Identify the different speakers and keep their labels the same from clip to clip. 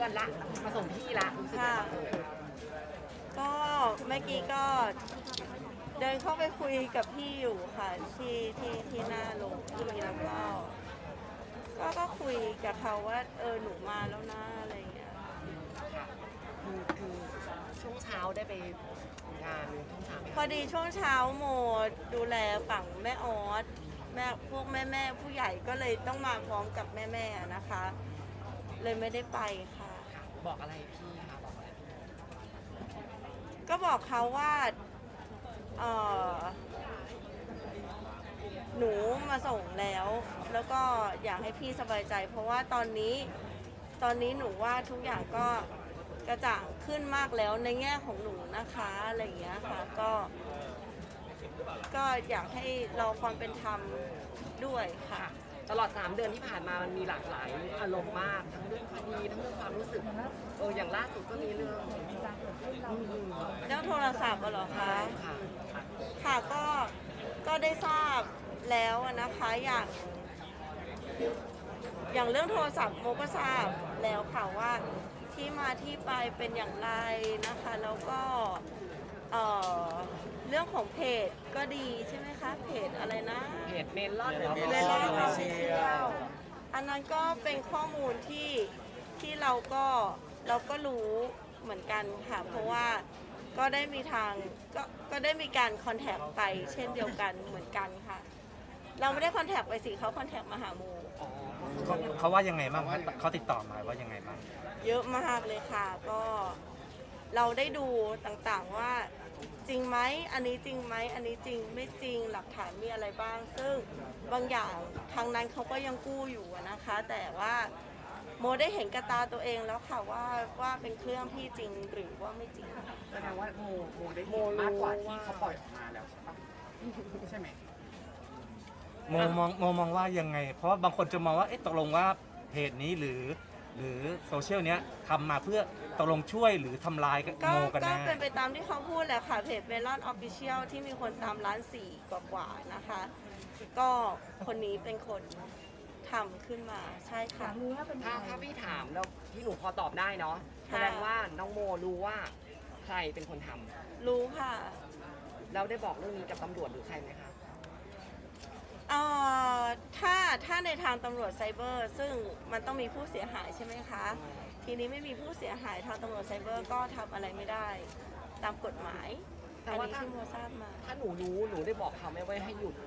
Speaker 1: อนละมาส่งพี่ละรู้สึก
Speaker 2: ค่ะ
Speaker 1: ยังไง
Speaker 2: ก็เมื่อกี้ก็เดินเข้าไปคุยกับพี่อยู่ค่ะที่หน้าโรงพี่แล้วก็คุยกับเขาว่าหนูมาแล้วนะอะไรอย่างเงี้ย
Speaker 1: ค่ะคือช่วงเช้าได้ไปงานช่วงเช้าไหม
Speaker 2: พอดีช่วงเช้าโมดูแลฝั่งแม่ออสพวกแม่ผู้ใหญ่ก็เลยต้องมาพร้อมกับแม่นะคะ เลยไม่ได้ไปค่ะ
Speaker 1: ค่ะบอกอะไรพี่คะบอกอะไร
Speaker 2: ก็บอกเขาว่าหนูมาส่งแล้วก็อยากให้พี่สบายใจ เพราะว่าตอนนี้หนูว่าทุกอย่างก็กระจ่างขึ้นมากแล้วในแง่ของหนูนะคะอะไรอย่างเงี้ยค่ะก็อยากให้รอความเป็นธรรมด้วยค่ะ
Speaker 1: ค่ะตลอด3 เดือนที่ผ่านมามันมีหลากหลายอารมณ์มากทั้งเรื่องคดีทั้งเรื่องความรู้สึกอย่างล่าสุดก็มีเรื่อง
Speaker 2: เรื่องโทรศัพท์เหรอคะ
Speaker 1: ค่ะ
Speaker 2: ค่ะก็ได้ทราบแล้วนะคะอย่างเรื่องโทรศัพท์โมก็ทราบแล้วค่ะว่าที่มาที่ไปเป็นอย่างไรนะคะแล้วก็เรื่องของเพจก็ดีใช่ไหมคะเพจอะไรนะ
Speaker 1: เพจเมลอน
Speaker 2: เมลอนออฟฟิเชียลอันนั้นก็เป็นข้อมูลที่เราก็รู้เหมือนกันค่ะเพราะว่าก็ได้มีก็ได้มีการคอนแทคไปเช่นเดียวกันเหมือนกันค่ะเราไม่ได้คอนแทคไปสิเขาคอนแทคมาหาโม
Speaker 3: เขาว่ายังไงบ้างเขาติดต่อมาว่ายังไงบ้าง
Speaker 2: เยอะมากเลยค่ะก็เราได้ดูต่างๆว่าจริงไหมอันนี้จริงไหมอันนี้จริงไม่จริงหลักฐานมีอะไรบ้าง ซึ่งบางอย่างทางนั้นเขาก็ยังกู้อยู่นะคะ แต่ว่าโมได้เห็นกระตาตัวเองแล้วค่ะว่าเป็นเครื่องพี่จริงหรือว่าไม่จริง
Speaker 4: แสดงว่าโมได้เห็นมากกว่าที่เขาปล่อยออกมาแล้วใช่ปะใช่ไหม
Speaker 3: โมมองว่ายังไง เพราะว่าบางคนจะมองว่าตกลงว่าเพจนี้หรือโซเชียลเนี้ยทำมาเพื่อตกลงช่วยหรือทำลาย
Speaker 2: ก็
Speaker 3: โมกัน
Speaker 2: ก็
Speaker 3: แน่
Speaker 2: เป็นไปตามที่เขาพูดแหละค่ะเพจเมลอนออฟฟิเชียลที่มีคนตาม1.4 ล้านกว่านะคะ ก็คนนี้เป็นคนทำขึ้นมาใช่ค่ะ
Speaker 1: ถ้าพี่ถามแล้วพี่หนูพอตอบได้เนาะแสดงว่าน้องโมรู้ว่าใครเป็นคนทำ
Speaker 2: รู้ค่ะ
Speaker 1: แล้วได้บอกเรื่องนี้กับตำรวจหรือใครไหมคะ
Speaker 2: ถ้าในทางตำรวจไซเบอร์ ซึ่งมันต้องมีผู้เสียหายใช่ไหมคะ ทีนี้ไม่มีผู้เสียหายทางตำรวจไซเบอร์ก็ทำอะไรไม่ได้ตามกฎหมาย
Speaker 1: แต่
Speaker 2: อัน
Speaker 1: ว่า
Speaker 2: นี้ที่โมทราบมา
Speaker 1: ถ้าหนูรู้หนูได้บอกเขาไหมว่าให้หยุด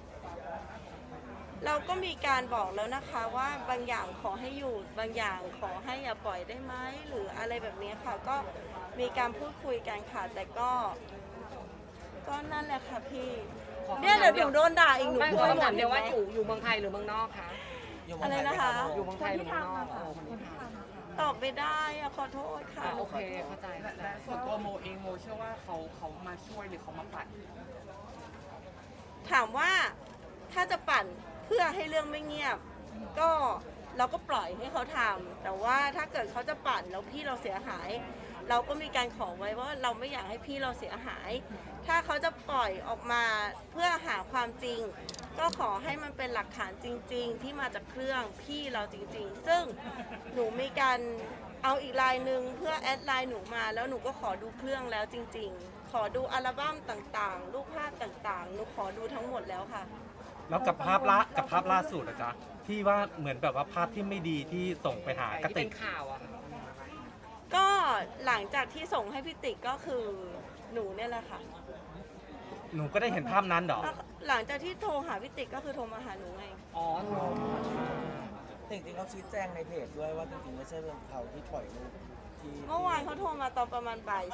Speaker 2: เราก็มีการบอกแล้วนะคะว่าบางอย่างขอให้หยุดบางอย่างขอให้อย่าปล่อยได้ไหมหรืออะไรแบบนี้ค่ะ ก็มีการพูดคุยกันค่ะแต่ก็นั่นแหละค่ะพี่เนี่ยเดี๋ยวหนูโดนด่าอีกหนู
Speaker 1: ไม่
Speaker 2: กลัว
Speaker 1: คำ
Speaker 2: หม
Speaker 1: ถา
Speaker 2: ด
Speaker 1: มเดียวว่าอยู่เมืองไทยหรือเมืองนอกคะ
Speaker 2: อะไรนะคะ
Speaker 1: อยู่เมืองไทยหรือเมืองนอกคนที่ท
Speaker 2: ตอบไม่ได้อะขอโทษค่ะ
Speaker 1: ำโอเคเข้าใจ
Speaker 4: และส่วนตัวโมเองโมเชื่อว่าเขามาช่วยหรือเขามาปัด
Speaker 2: ถามว่าถ้าจะปั่นเพื่อให้เรื่องไม่เงียบ ก็เราก็ปล่อยให้เขาทำแต่ว่าถ้าเกิดเขาจะปั่นแล้วพี่เราเสียหาย เราก็มีการขอไว้ว่าเราไม่อยากให้พี่เราเสียหาย ถ้าเขาจะปล่อยออกมาเพื่อหาความจริง ก็ขอให้มันเป็นหลักฐานจริง ๆ ที่มาจากเครื่องพี่เราจริง ๆ ซึ่งหนูมีการเอาอีกไลน์หนึ่งเพื่อแอดไลน์หนูมาแล้วหนูก็ขอดูเครื่องแล้วจริง ๆ ขอดูอัลบั้มต่างๆ รูปภาพต่างๆ หนูขอดูทั้งหมดแล้วค่ะ
Speaker 3: แล้วกับภาพล่าสุดนะจ๊ะที่ว่าเหมือนแบบว่าภาพที่ไม่ดีที่ส่งไปหากระ
Speaker 1: ที่
Speaker 3: ติ
Speaker 1: เป็
Speaker 3: ก
Speaker 1: นข่าวอะค่ะ
Speaker 2: ก็หลังจากที่ส่งให้พี่ติ๊กก็คือหนูเนี่ยแหละค่ะ
Speaker 3: หนูก็ได้เห็นภาพนั้นเหรอ
Speaker 2: หลังจากที่โทรหาพี่ติ๊กก็คือโทรมาหาหนูไง
Speaker 1: อ๋อ
Speaker 5: จริงๆเขาชี้แจงในเพจด้วยว่าจริงๆไม่ใช่เรื่องเขาที่ปล่อยรูปที่
Speaker 2: เมื่อวานเขาโทรมาตอนประมาณบ่าย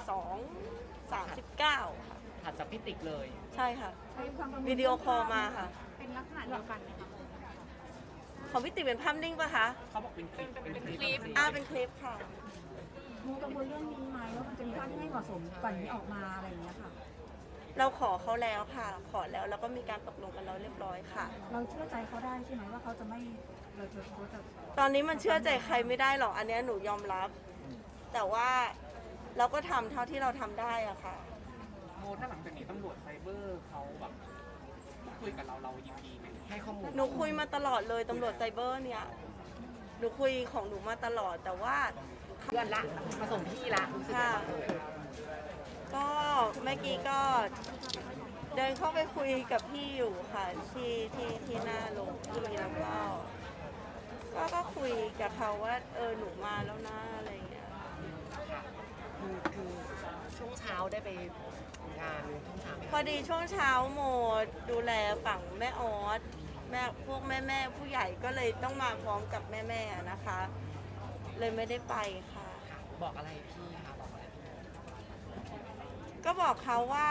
Speaker 2: 2:39 ค่ะ
Speaker 1: ถัดจากพี่ติ๊กเลย
Speaker 2: ใช่ค่ะ วิดีโอคอลมาค่ะ
Speaker 6: เป็นลักษณะเดียวกันไหมคะ
Speaker 2: ของพี่ติ๊กเป็นภาพนิ่งปะคะ
Speaker 4: เขาบอกเป็นคลิป
Speaker 6: เป็นคลิป
Speaker 2: เป็นคลิปค่ะ
Speaker 6: โมกังวลเรื่องนี้ไหมว่ามันจะมีภาพที่ไม่เหมาะสมก่อนนี้ออกมาอะไรอย่างเงี้ยค่ะ
Speaker 2: เราขอเขาแล้วค่ะ ขอแล้วก็มีการตกลงกันแล้วเรียบร้อยค่ะ
Speaker 6: เราเชื่อใจเขาได้ใช่ไหมว่าเขาจะไม่เขาจะ
Speaker 2: ตอนนี้มันเชื่อใจใครไม่ได้หรอกอันเนี้ยหนูยอมรับ แต่ว่าเราก็ทำเท่าที่เราทำได้อะค่ะ
Speaker 4: โมถ้าหลังจากนี้ตำรวจไซเบอร์เขาแบบคุยกับเรายินดีไหม
Speaker 1: ให้ข้อมูล
Speaker 2: หนูคุยมาตลอดเลยตำรวจไซเบอร์เนี่ย หนูคุยของหนูมาตลอด แต่ว่าเข
Speaker 1: เพื่อนละมาส่งพี่ละรู้สึกยังไงบ้างเอ่ย
Speaker 2: ก็เมื่อกี้ก็เดินเข้าไปคุยกับพี่อยู่ค่ะที่หน้าโรงพี่แล้วก็คุยกับเขาว่าหนูมาแล้วนะอะไรอย่างเงี้ย
Speaker 1: ค่ะคือช่วงเช้าได้ไปงานช่วงเช้าไหม
Speaker 2: พอดีช่วงเช้าโมดูแลฝั่งแม่ออสพวกแม่ผู้ใหญ่ก็เลยต้องมาพร้อมกับแม่นะคะ เลยไม่ได้ไปค่ะ
Speaker 1: ค่ะบอกอะไรพี่คะบอกอะไรพี่
Speaker 2: ก็บอกเขาว่า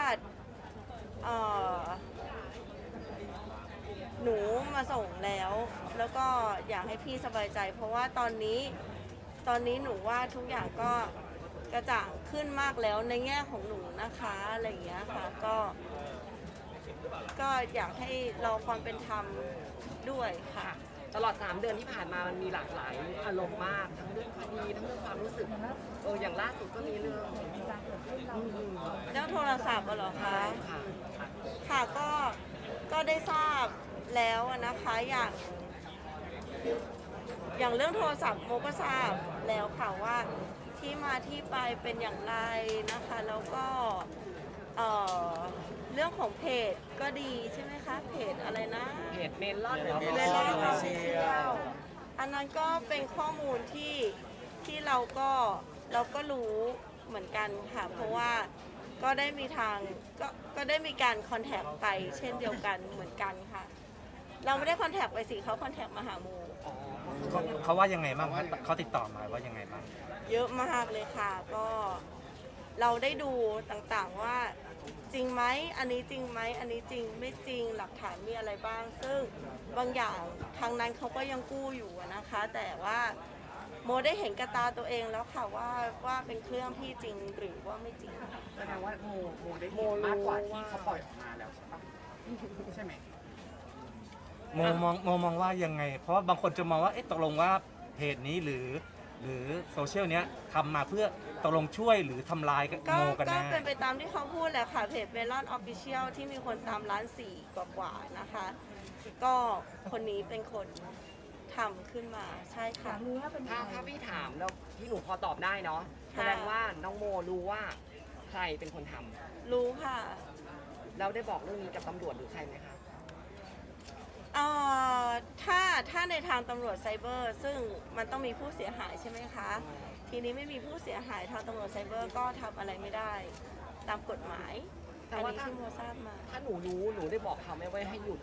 Speaker 2: หนูมาส่งแล้วก็อยากให้พี่สบายใจ เพราะว่าตอนนี้หนูว่าทุกอย่างก็กระจ่างขึ้นมากแล้วในแง่ของหนูนะคะอะไรอย่างเงี้ยค่ะก็อยากให้รอความเป็นธรรมด้วยค่ะ
Speaker 1: ค่ะตลอด3 เดือนที่ผ่านมามันมีหลากหลายอารมณ์มากทั้งเรื่องคดีทั้งเรื่องความรู้สึกอย่างล่าสุดก็มีเรื่อง
Speaker 6: การเกิดขึ้นเรา
Speaker 2: เรื่องโทรศัพท์เหรอคะ
Speaker 1: ค่ะ
Speaker 2: ค่ะก็ได้ทราบแล้วนะคะอย่างเรื่องโทรศัพท์โมก็ทราบแล้วค่ะว่าที่มาที่ไปเป็นอย่างไรนะคะแล้วก็เรื่องของเพจก็ดีใช่ไหมคะเพจอะไรนะ
Speaker 1: เพจเมลอน
Speaker 2: เมลอนออฟฟิเชียลอันนั้นก็เป็นข้อมูลที่เราก็รู้เหมือนกันค่ะเพราะว่าก็ได้มีก็ได้มีการคอนแทคไปเช่นเดียวกันเหมือนกันค่ะ เราไม่ได้คอนแทคไปสิเขาคอนแทคมาหาโม
Speaker 3: เขาว่ายังไงบ้างครับเขาติดต่อมาว่ายังไงบ้าง
Speaker 2: เยอะมากเลยค่ะก็เราได้ดูต่างๆว่าจริงไหมอันนี้จริงไหมอันนี้จริงไม่จริงหลักฐานมีอะไรบ้าง ซึ่งบางอย่างทางนั้นเขาก็ยังกู้อยู่นะคะ แต่ว่าโมได้เห็นกระตาตัวเองแล้วค่ะว่าเป็นเครื่องพี่จริงหรือว่าไม่จริง
Speaker 4: แสดงว่าโมได้เห็นมากกว่าที่เขาปล่อยออกมาแล้วใช่ปะใช่ไหม
Speaker 3: โมมองว่ายังไง เพราะว่าบางคนจะมองว่าตกลงว่าเพจนี้หรือโซเชียลเนี้ยทำมาเพื่อตกลงช่วยหรือทำลาย
Speaker 2: ก็
Speaker 3: โมกันแน่
Speaker 2: เป็นไปตามที่เขาพูดแหละค่ะเพจเมลอนออฟฟิเชียลที่มีคนตาม1.4 ล้านกว่านะคะ ก็คนนี้เป็นคนทำขึ้นมาใช่
Speaker 6: อ
Speaker 2: ค่ะ
Speaker 6: ยากรู้ว่าเป็นใคร
Speaker 1: ถ้าพี่ถามแล้วพี่หนูพอตอบได้เนาะแสดงว่าน้องโมรู้ว่าใครเป็นคนทำ
Speaker 2: รู้ค่ะ
Speaker 1: แล้วได้บอกเรื่องนี้กับตำรวจหรือใครไหมคะ
Speaker 2: ถ้าในทางตำรวจไซเบอร์ ซึ่งมันต้องมีผู้เสียหายใช่ไหมคะ ทีนี้ไม่มีผู้เสียหายทางตำรวจไซเบอร์ก็ทำอะไรไม่ได้ตามกฎหมาย
Speaker 1: แต่
Speaker 2: อัน
Speaker 1: ว่า
Speaker 2: นี้ที่โมทราบมา
Speaker 1: ถ้าหนูรู้หนูได้บอกเขาไหมว่าให้หยุด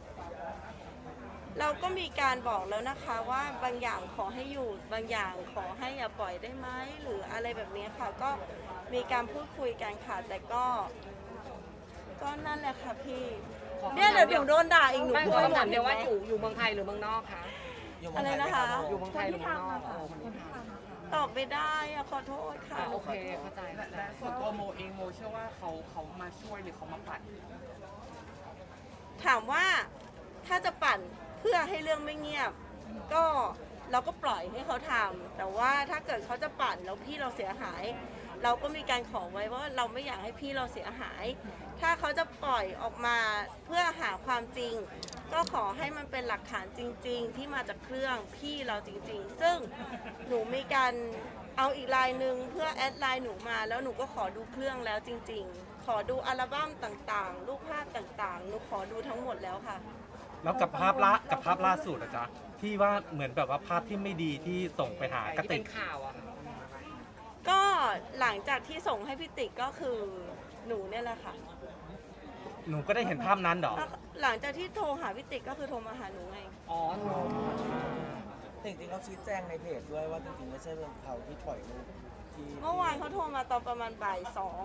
Speaker 2: เราก็มีการบอกแล้วนะคะว่าบางอย่างขอให้หยุดบางอย่างขอให้อย่าปล่อยได้ไหมหรืออะไรแบบนี้ค่ะ ก็มีการพูดคุยกันค่ะแต่ก็นั่นแหละค่ะพี่
Speaker 1: ขอคำถาม
Speaker 2: เนี่ยเดี๋ยวหนูโดนด่าอีกหนู
Speaker 1: ไม่
Speaker 2: พู
Speaker 1: ข
Speaker 2: ด
Speaker 1: อ
Speaker 2: ไม่หม
Speaker 1: คำถา
Speaker 2: ด
Speaker 1: มเดียวว่าอยู่เมืองไทยหรือเมืองนอกคะ
Speaker 5: อยู่
Speaker 2: อะไรนะคะ
Speaker 1: อยู่เมือง
Speaker 6: ค
Speaker 1: ไท
Speaker 6: น
Speaker 1: ยหรือ
Speaker 6: ที่
Speaker 1: เมืองนอก
Speaker 6: ทำอะค่ะคนที่ทำอะค่ะ
Speaker 2: ตอบไม่ได้อะขอโทษค่ะ
Speaker 1: โอเคเข้าใจเข้าใจ
Speaker 4: และส่วนตัวโมเองโมเชื่อว่าเขามาช่วยหรือเขามาปัด
Speaker 2: ถามว่าถ้าจะปั่นเพื่อให้เรื่องไม่เงียบ ก็เราก็ปล่อยให้เขาทำแต่ว่าถ้าเกิดเขาจะปั่นแล้วพี่เราเสียหาย เราก็มีการขอไว้ว่าเราไม่อยากให้พี่เราเสียหาย ถ้าเขาจะปล่อยออกมาเพื่อหาความจริง ก็ขอให้มันเป็นหลักฐานจริง ๆ ที่มาจากเครื่องพี่เราจริง ๆ ซึ่งหนูมีการเอาอีกลายหนึ่งเพื่อแอดไลน์หนูมาแล้วหนูก็ขอดูเครื่องแล้วจริง ๆ ขอดูอัลบั้มต่างๆ รูปภาพต่างๆ หนูขอดูทั้งหมดแล้วค่ะ
Speaker 3: แล้วกับภาพล่าสุดอะจ๊ะที่ว่าเหมือนแบบว่าภาพที่ไม่ดีที่ส่งไปหากระ
Speaker 1: ที่
Speaker 3: ติ
Speaker 1: เป็
Speaker 3: ก
Speaker 1: นข่าวอะค่ะ
Speaker 2: ก็หลังจากที่ส่งให้พี่ติ๊กก็คือหนูเนี่ยแหละค่ะ
Speaker 3: หนูก็ได้เห็นภาพนั้นเหรอ
Speaker 2: หลังจากที่โทรหาพี่ติ๊กก็คือโทรมาหาหนูไง
Speaker 1: อ๋อหนู
Speaker 5: จริงๆเขาชี้แจงในเพจด้วยว่าจริงๆไม่ใช่เป็นเขาที่ปล่อยรูปที่
Speaker 2: เมื่อวานเขาโทรมาตอนประมาณบ่าย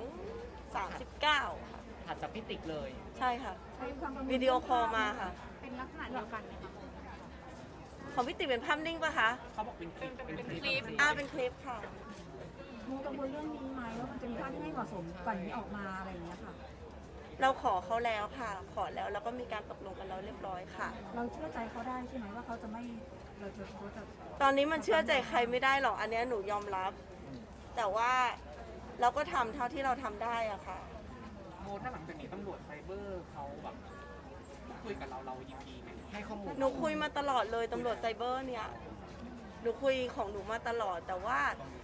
Speaker 2: 2:39ค่ะ
Speaker 1: ถัดจากพี่ติ๊กเลย
Speaker 2: ใช่ค่ะ
Speaker 6: ใช้ความกังวล
Speaker 2: วิดีโอคอลมาค่ะ
Speaker 6: เป็นลักษณะเดียวกันไหมคะ
Speaker 2: ของพี่ติ๊กเป็นภาพนิ่งปะคะ
Speaker 4: เขาบอกเป็นคลิปเป็นคลิป
Speaker 2: เป็นคลิปค่ะ
Speaker 6: โมกังวลเรื่องนี้ไหมว่ามันจะมีภาพที่ไม่เหมาะสมก่อนนี้ออกมาอะไรอย่างเงี้ยค่ะ
Speaker 2: เราขอเขาแล้วค่ะ ขอแล้วแล้วก็มีการตกลงกันแล้วเรียบร้อยค่ะ
Speaker 6: เราเชื่อใจเขาได้ใช่ไหมว่าเขาจะไม่เขาจะ
Speaker 2: ตอนนี้มันเชื่อใจใครไม่ได้หรอก อันเนี้ยหนูยอมรับ แต่ว่าเราก็ทำเท่าที่เราทำได้อะค่ะ
Speaker 4: โมถ้าหลังจากนี้ตำรวจไซเบอร์เขาแบบคุยกับเรายินดีไหม
Speaker 1: ให้ข้อมูล
Speaker 2: หนูคุยมาตลอดเลยตำรวจไซเบอร์เนี่ย หนูคุยของหนูมาตลอดแต่ว่า